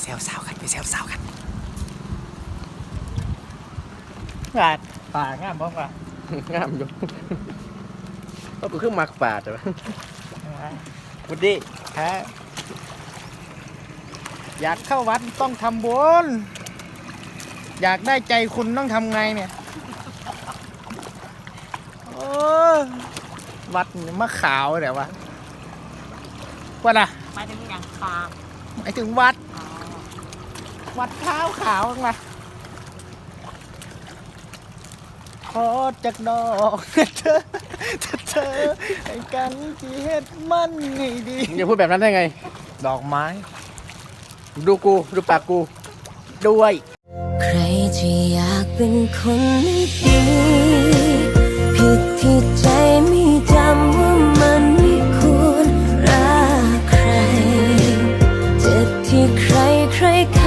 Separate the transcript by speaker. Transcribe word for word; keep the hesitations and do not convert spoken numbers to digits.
Speaker 1: ซวสาวกันไปแซวสาวกันงานป่างามบ้างป่ะ
Speaker 2: งามอยู่ก็กูขึ้นมักป่าแต่ว่า
Speaker 1: บุดีฮะอยากเข้าวัดต้องทำบุญอยากได้ใจคุณต้องทำไงเนี่ยโอ้วัดมะขาวเดี๋ยววะวัดอะ
Speaker 3: หมายถึงอย่างคา
Speaker 1: หมายถึงวัด
Speaker 3: อ๋อ
Speaker 1: วัดขาวขาวมาขอจากดอกเธอเธอให้กันที่เฮ็ดมันให้ดี
Speaker 2: มึงจะพูดแบบนั้นได้ไง
Speaker 1: ดอกไม้
Speaker 2: ดูกูดูปากกูด้วย
Speaker 4: ใครที่อยากเป็นคนไม่ดีผิดที่ใจไม่จำว่ามันไม่ควรรักใครเจ็บที่ใครใคร